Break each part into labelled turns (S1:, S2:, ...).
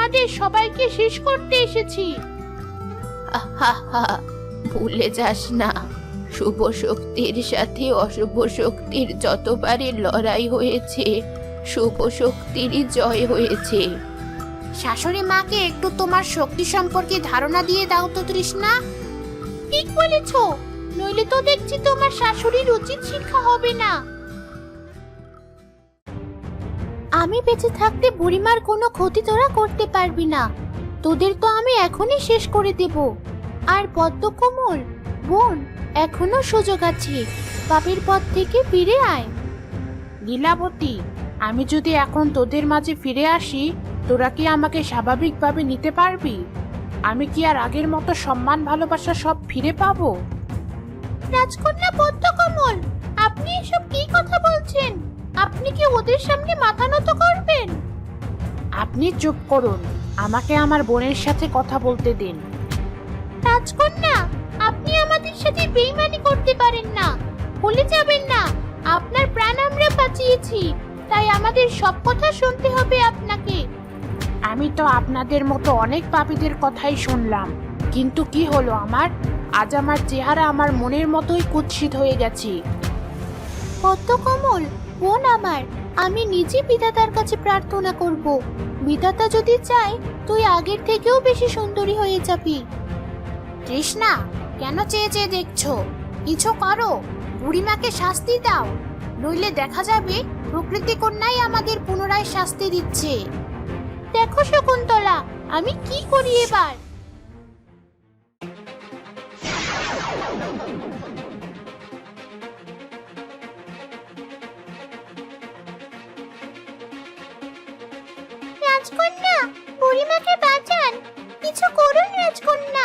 S1: তোমাদের সবাইকে শেষ করতে এসেছি। ভুলে যাস না, শুভ শক্তির সাথে অশুভ শক্তির যতবারই লড়াই হয়েছে, শুভ শক্তিরই জয় হয়েছে। শাশুড়ি মাকে একটু তোমার শক্তি সম্পর্কে ধারণা দিয়ে দাও তো তৃষ্ণা। ঠিক বলেছ, নইলে তো দেখছি তোমার শাশুড়ির উচিত শিক্ষা হবে না। আমি বেঁচে থাকতে বুড়িমার কোনো ক্ষতি তোরা করতে পারবি না। তোদের তো আমি এখনই শেষ করে দেব। আর পদ্মকমল বোন, এখনো সুযোগ আছে, পাপের পথ থেকে ফিরে আয়। লীলাবতী, আমি যদি এখন তোদের মাঝে ফিরে আসি, তোরা কি আমাকে স্বাভাবিকভাবে নিতে পারবি? আমি কি আর আগের মতো সম্মান ভালোবাসা সব ফিরে পাবো? রাজকন্যা পদ্মকমল, আপনি এসব কি কথা বলছেন? আপনি কি ওদের সামনে মাথা নত করবেন? আপনি চুপ করুন, আমাকে আমার বোনের সাথে কথা বলতে দিন। রাজকন্যা, আপনি আমাদের সাথে বেইমানি করতে পারেন না। ভুলে যাবেন না, আপনার প্রাণ আমরা বাঁচিয়েছি, তাই আমাদের সব কথা শুনতে হবে আপনাকে। আমি তো আপনাদের মতো অনেক পাপীদের কথাই শুনলাম, কিন্তু কি হলো আমার? আজ আমার চেহারা আমার মনের মতোই কুৎসিত হয়ে গেছে। পদ্মকমল বোন আমার, আমি নিজে বিধাতার কাছে প্রার্থনা করব। বিধাতা যদি চায়, তুই আগের থেকেও বেশি সুন্দরী হয়ে যাবি। তৃষ্ণা, কেন চেয়ে চেয়ে দেখছো? কিছু করো, বুড়িমাকে শাস্তি দাও, নইলে দেখা যাবে প্রকৃতি কন্যাই আমাদের পুনরায় শাস্তি দিচ্ছে। দেখো শকুন্তলা, আমি কি করি এবার। রাজকন্যা, বুড়িমাকে বাঁচান, কিছু করুন রাজকন্যা।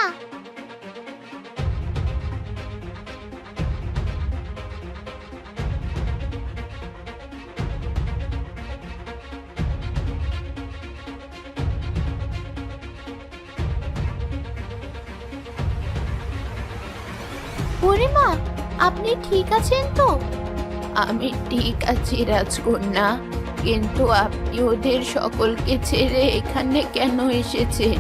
S1: বুড়িমা, আপনি ঠিক আছেন তো? আমি ঠিক আছি রাজকন্যা, কিন্তু আপনি ওদের সকলকে ছেড়ে এখানে কেন এসেছেন?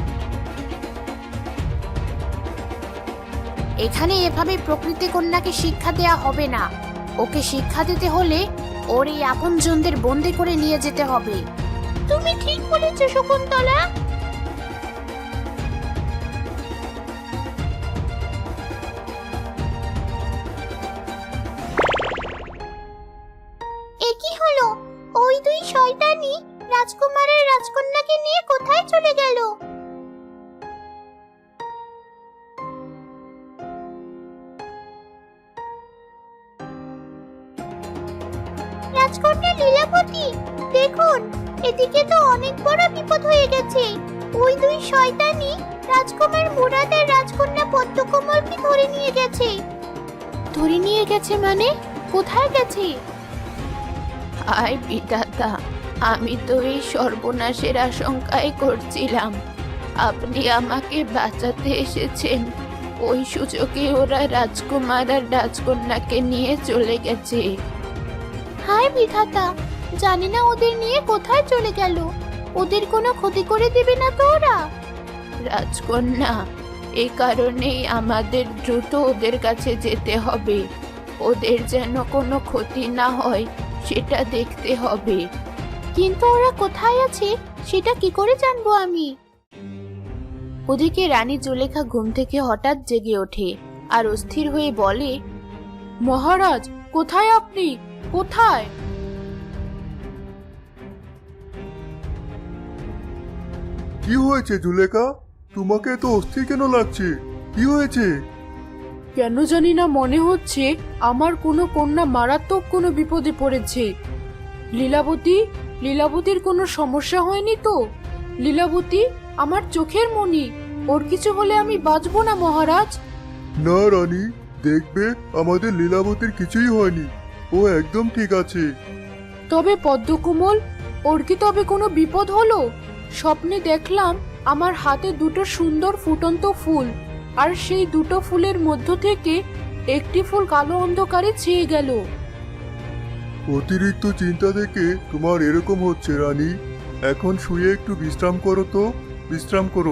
S1: এখানে এভাবে প্রকৃতি কন্যাকে শিক্ষা দেয়া হবে না। ওকে শিক্ষা দিতে হলে ওর এই আপনজনদের বন্দি করে নিয়ে যেতে হবে। তুমি ঠিক বলেছ শকুন্তলা। এ কি হলো? ওই দুই শয়তানি রাজকুমারের রাজকন্যাকে নিয়ে কোথায় চলে গেল? রাজকন্যা লীলাবতী, দেখুন, এদিকে তো অনেক বড় বিপদ হয়ে গেছে। ওই দুই শয়তানি রাজকুমার মুরাদ আর রাজকন্যা পদ্মকমলকে ধরে নিয়ে গেছে। ধরে নিয়ে গেছে মানে? কোথায় গেছে? আয় বিধাতা, আমি তো এই সর্বনাশের আশঙ্কাই করছিলাম। আপনি আমাকে বাঁচাতে এসেছেন। ওই সুযোগে ওরা রাজকুমার আর রাজকন্যাকে নিয়ে চলে গেছে। হায় বিধাতা, জানি না ওদের নিয়ে কোথায় চলে গেল। ওদের কোনো ক্ষতি করে দেবে না তো ওরা? রাজকন্যা, এই কারণেই আমাদের দ্রুত ওদের কাছে যেতে হবে। ওদের যেন কোনো ক্ষতি না হয় সেটা দেখতে হবে। কিন্তু ওরা কোথায় আছে সেটা কি করে জানবো আমি? ওদিকে রানী জুলেখা ঘুম থেকে হঠাৎ জেগে ওঠে আর অস্থির হয়ে বলে, মহারাজ, কোথায় আপনি? কোথায়?
S2: কি হয়েছে জুলেখা? তোমাকে তো অস্থির কেন লাগছে? কি হয়েছে?
S1: কেন জানি না মনে হচ্ছে আমার কোনো কন্যা মারাত্মক কোনো বিপদে পড়েছে। লীলাবতী, লীলাবতীর কোনো সমস্যা হয়নি তো? লীলাবতী আমার চোখের মণি, ওর কিছু হলে আমি বাঁচবো না মহারাজ।
S2: না রানী, দেখবে আমাদের লীলাবতীর কিছুই হয়নি, ও একদম ঠিক আছে।
S1: তবে পদ্মকমল, ওর কি তবে কোনো বিপদ হলো? স্বপ্নে দেখলাম আমার হাতে দুটো সুন্দর ফুটন্ত ফুল, আর সেই দুটো ফুলের মধ্য থেকে একটি ফুল কালো অন্ধকারে ছেয়ে গেল।
S2: অতিরিক্ত চিন্তা থেকে তোমার এরকম হচ্ছে রানী। এখন শুয়ে একটু বিশ্রাম করো তো। বিশ্রাম করো।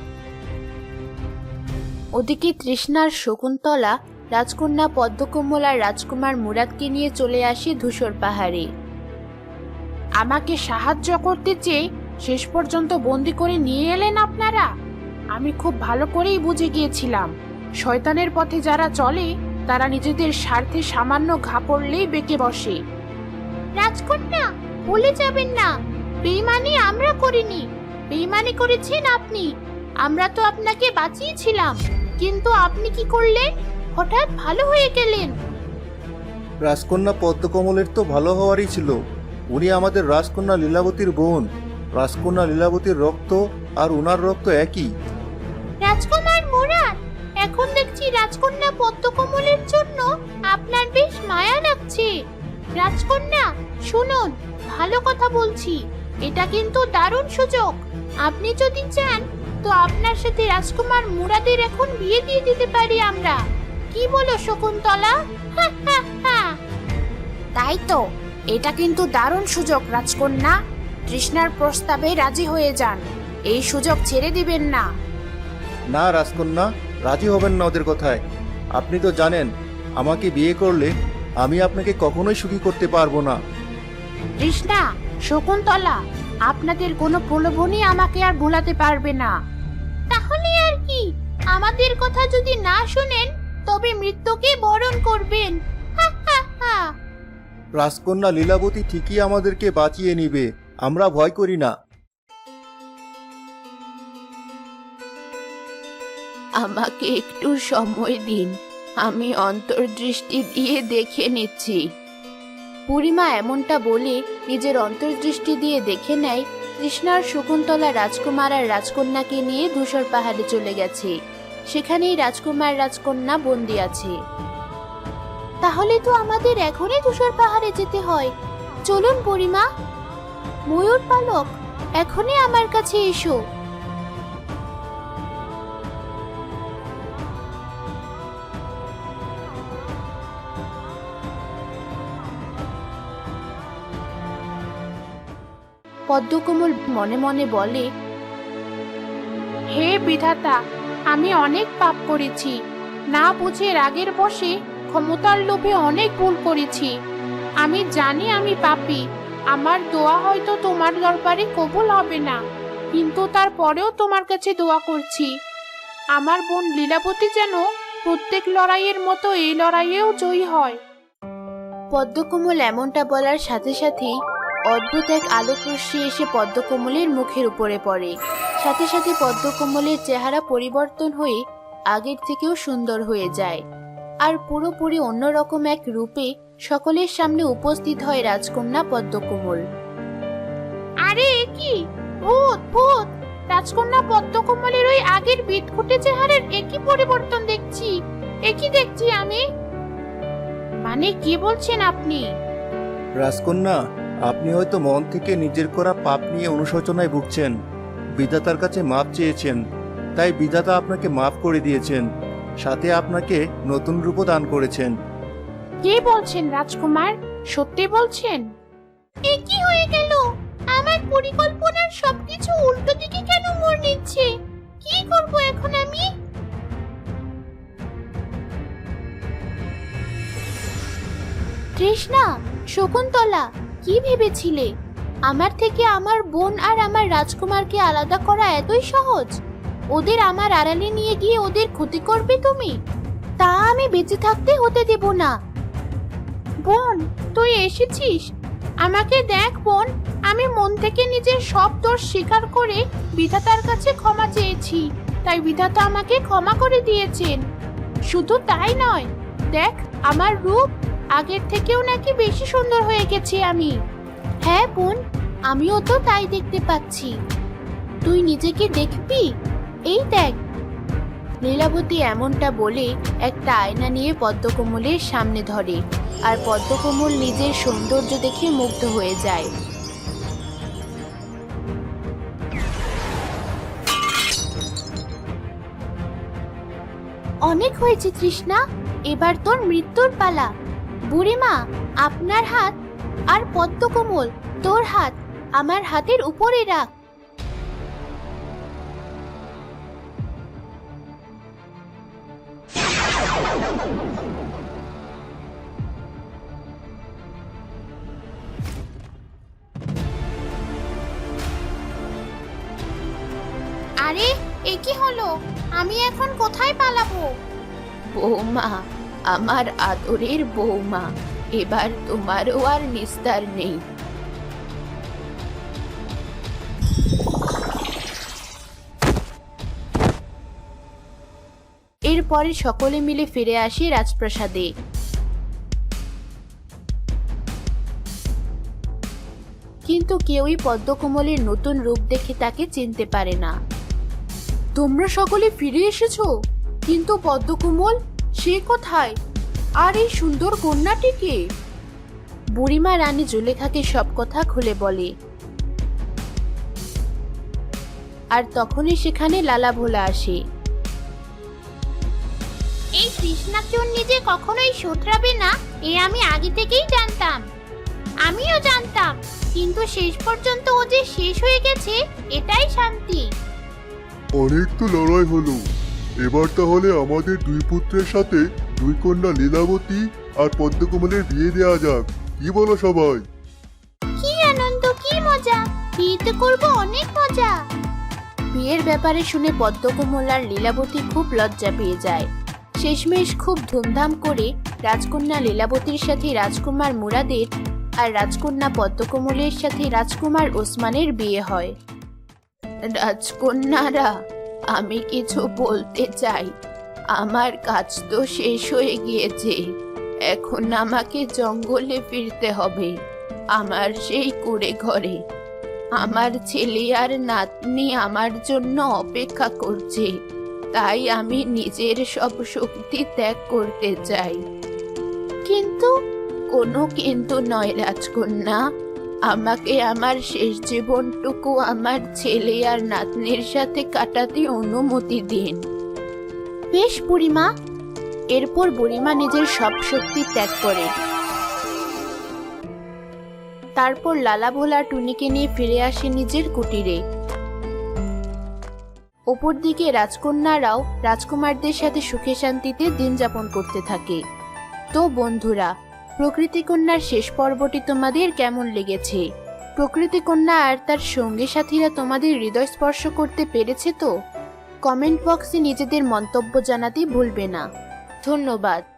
S1: ওদিকে তৃষ্ণার শকুন্তলা রাজকন্যা পদ্মকমল আর রাজকুমার মুরাদকে নিয়ে চলে আসে ধূসর পাহাড়ে। আমাকে সাহায্য করতে চেয়ে শেষ পর্যন্ত বন্দি করে নিয়ে এলেন আপনারা। আমি খুব ভালো করেই বুঝে গিয়েছিলাম, শয়তানের পথে যারা চলে তারা নিজেদের স্বার্থে সামান্য ঘা পড়লেই বেঁকে বসে। রাজকন্যা, ভুলে যাবেন না, বেঈমানি আমরা করিনি, বেঈমানি করেছেন আপনি। আমরা তো আপনাকে বাঁচিয়েছিলাম, কিন্তু আপনি কি করলেন? হঠাৎ ভালো হয়ে গেলেন।
S3: রাজকন্যা পদ্মকমলের তো ভালো হওয়ারই ছিল। উনি আমাদের রাজকন্যা লীলাবতীর বোন। রাজকন্যা লীলাবতীর রক্ত আর উনার রক্ত একই।
S1: রাজকুমার মুরাদ, এখন দেখছি রাজকন্যা পদ্মকমলের জন্য আপনার বেশ মায়া লাগছে। রাজকন্যা শুনুন, ভালো কথা বলছি, এটা কিন্তু দারুণ সুযোগ। আপনি যদি চান তো আপনার সাথে রাজকুমার মুরাদের এখন বিয়ে দিয়ে দিতে পারি আমরা। কি বলো শকুন্তলা? তাই তো, এটা কিন্তু দারুণ সুযোগ রাজকন্যা। তৃষ্ণার প্রস্তাবে রাজি হয়ে যান, এই সুযোগ ছেড়ে দিবেন না।
S3: না রাজকন্যা, রাজি হবেন না ওদের কথায়। আপনি তো জানেন, আমাকে বিয়ে করলে আমি আপনাকে কখনোই সুখী করতে পারবো না।
S1: তৃষ্ণা, শকুন্তলা, আপনাদের কোনো প্রলোভনই আমাকে আর ভোলাতে পারবে না। তাহলে আর কি, আমাদের কথা যদি না শুনেন তবে মৃত্যুকে বরণ করবেন।
S3: রাজকন্যা লীলাবতী ঠিকই আমাদেরকে বাঁচিয়ে নিবে, আমরা ভয় করি না।
S1: আমাকে একটু সময় দিন, আমি অন্তর্দৃষ্টি দিয়ে দেখে নিচ্ছি। বুড়িমা এমনটা বলে নিজের অন্তর্দৃষ্টি দিয়ে দেখে নেয় তৃষ্ণার শকুন্তলা রাজকুমার আর রাজকন্যাকে নিয়ে ধূসর পাহাড়ে চলে গেছে। সেখানেই রাজকুমার রাজকন্যা বন্দি আছে। তাহলে তো আমাদের এখনই ধূসর পাহাড়ে যেতে হয়। চলুন বুড়িমা। ময়ূর পালক, এখনই আমার কাছে এসো। পদ্মকমল মনে মনে বলে, হে বিধাতা, আমি অনেক পাপ করেছি, না বুঝে রাগের বশে ক্ষমতার লোভে অনেক ভুল করেছি। আমি জানি আমি পাপী, আমার দোয়া হয়তো তোমার দরবারে কবুল হবে না, কিন্তু তারপরেও তোমার কাছে দোয়া করছি আমার বোন লীলাবতী যেন প্রত্যেক লড়াইয়ের মতো এই লড়াইয়েও জয়ী হয়। পদ্মকমল এমনটা বলার সাথে সাথেই অদ্ভুত এক আলোক রশ্মি এসে পদ্মকমলের মুখের উপরে পড়ে। সাথে সাথে পদ্মকমলের চেহারা পরিবর্তন হয়ে আগের থেকেও সুন্দর হয়ে যায়, আর পুরোপুরি অন্যরকম এক রূপে সকলের সামনে উপস্থিত হয় রাজকন্যা পদ্মকমল। আরে কি ভূত ভূত! রাজকন্যা পদ্মকমলের ওই আগের বিদঘুটে চেহারার একই পরিবর্তন দেখছি। একই দেখছি আমি। মানে কি বলছেন আপনি?
S3: রাজকন্যা, আপনি হয়তো মন থেকে নিজের করা পাপ নিয়ে অনুশোচনায় ভুগছেন, বিধাতার কাছে মাপ চেয়েছেন, তাই বিধাতা আপনাকে মাফ করে দিয়েছেন, সাথে আপনাকে নতুন রূপও দান করেছেন।
S1: কি বলছেন রাজকুমার? সত্যি বলছেন? এ কি হয়ে গেল? আমার পরিকল্পনার সবকিছু উল্টো দিকে কেন মোড় নিচ্ছে? কি করব এখন আমি? তৃষ্ণা, শকুন্তলা, কি ভেবেছিলে আমার থেকে আমার বোন আর আমার রাজকুমারকে আলাদা করা এতই সহজ? ওদের আমার আড়ালে নিয়ে গিয়ে ওদের ক্ষতি করবে তুমি? তা আমি বেঁচে থাকতে হতে দেব না। বোন, তুই এসেছিস? আমাকে দেখ বোন, আমি মন থেকে নিজের সব দোষ স্বীকার করে বিধাতার কাছে ক্ষমা চেয়েছি, তাই বিধাতা আমাকে ক্ষমা করে দিয়েছেন। শুধু তাই নয়, দেখ আমার রূপ আগের থেকেও নাকি বেশি সুন্দর হয়ে গেছি আমি। হ্যাঁ বোন, আমিও তো তাই দেখতে পাচ্ছি। তুই নিজেকে দেখবি? এই দেখ। লীলাবতী এমনটা বলে একটা আয়না নিয়ে পদ্মকমলের সামনে ধরে, আর পদ্মকমল নিজের সৌন্দর্য দেখে মুগ্ধ হয়ে যায়। অনেক হয়েছে তৃষ্ণা, এবার তোর মৃত্যুর পালা। বুড়িমা, আপনার হাত আর পদ্মকমল তোর হাত আমার হাতের উপরে রাখ। আরে এ কি হলো? আমি এখন কোথায় পালাবো?
S4: বৌমা, আমার আদরের বৌমা, এবার তোমারও আর নিস্তার নেই। এরপরে সকলে মিলে ফিরে আসে রাজপ্রাসাদে। কিন্তু কেউই পদ্মকমলের নতুন রূপ দেখে তাকে চিনতে পারে না। তোমরা সকলে ফিরে এসেছো, কিন্তু পদ্মকমল সে কোথায়? আর এই সুন্দর কন্যাটিকে? বুড়িমা রানী জুলেখাকে সব কথা খুলে বলে। আর তখনই সেখানে লালা ভোলা আসে।
S1: এই কৃষ্ণাচুর নিজে কখনোই শোধরাবে না, এ আমি আগে থেকেই জানতাম। আমিও জানতাম, কিন্তু শেষ পর্যন্ত ও যে শেষ হয়ে গেছে, এটাই শান্তি।
S2: অনেক তো লড়াই হলো, এবার তাহলে আমাদের দুই পুত্রের সাথে দুই কন্যা লীলাবতী আর পদ্মকমলের বিয়ে দেওয়া যাক, কি বলো সবাই?
S1: কি আনন্দ, কি মজা! বিয়েতে করবো অনেক মজা।
S4: বিয়ের ব্যাপারে শুনে পদ্মকমল আর লীলাবতী খুব লজ্জা পেয়ে যায়। শেষমেশ খুব ধুমধাম করে রাজকন্যা লীলাবতীর সাথে রাজকুমার মুরাদের আর রাজকন্যা পদ্মকমলের সাথে রাজকুমার ওসমানের বিয়ে হয়। রাজকন্যারা, আমি কিছু বলতে চাই। আমার কাজ তো শেষ হয়ে গিয়েছে, এখন আমাকে জঙ্গলে ফিরতে হবে, আমার সেই কুঁড়ে ঘরে। আমার ছেলে আর নাতনি আমার জন্য অপেক্ষা করছে, তাই আমি নিজের সব শক্তি ত্যাগ করতে চাই।
S1: কিন্তু
S4: কোনো কিন্তু নয় রাজকন্যা, আমাকে আমার শেষ জীবনটুকু আমার ছেলে আর নাতনির সাথে কাটাতে অনুমতি দিন।
S1: বেশ বুড়িমা।
S4: এরপর বুড়িমা নিজের সব শক্তি ত্যাগ করে। তারপর লালা ভোলা টুনিকে নিয়ে ফিরে আসে নিজের কুটিরে। অপরদিকে রাজকন্যারাও রাজকুমারদের সাথে সুখে শান্তিতে দিন যাপন করতে থাকে। তো বন্ধুরা, প্রকৃতি কন্যার শেষ পর্বটি তোমাদের কেমন লেগেছে? প্রকৃতি কন্যা আর তার সঙ্গী সাথীরা তোমাদের হৃদয় স্পর্শ করতে পেরেছে তো? কমেন্ট বক্সে নিজেদের মন্তব্য জানাতে ভুলবে না। ধন্যবাদ।